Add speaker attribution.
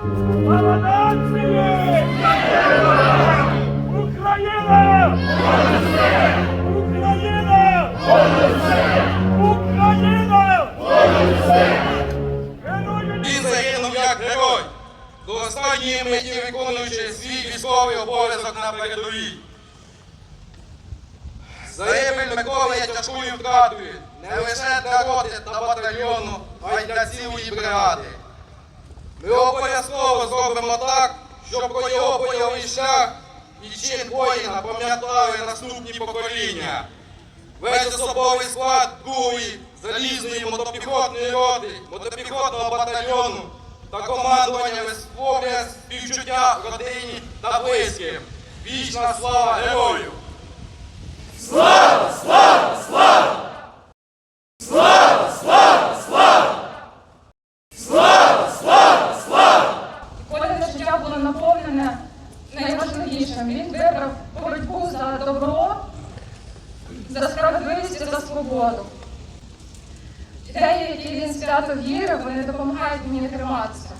Speaker 1: Слава нації! Україна! Україна! Україна!
Speaker 2: Він загинув як герой, до останньої миті виконуючи свій військовий обов'язок на передовій. Загибель Миколи є тяжкою втратою не лише для роти та батальйону, а й для цілої бригади. Ми обов'язково зробимо так, щоб про його бойовий шлях і чин воїна пам'ятали наступні покоління. Весь особовий склад 2-ї залізної мотопіхотної роти, мотопіхотного батальйону та командування висловлює співчуття родині та близьким. Вічна слава герою!
Speaker 3: Слава! Слава! Слава! Слава! Слава! Слава! Слава! Слава! Слава!
Speaker 4: Кожне життя було наповнене найважливішим. Він вибрав боротьбу за добро, за справедливість і за свободу. Ідеї, які він свято вірив, вони допомагають мені триматися.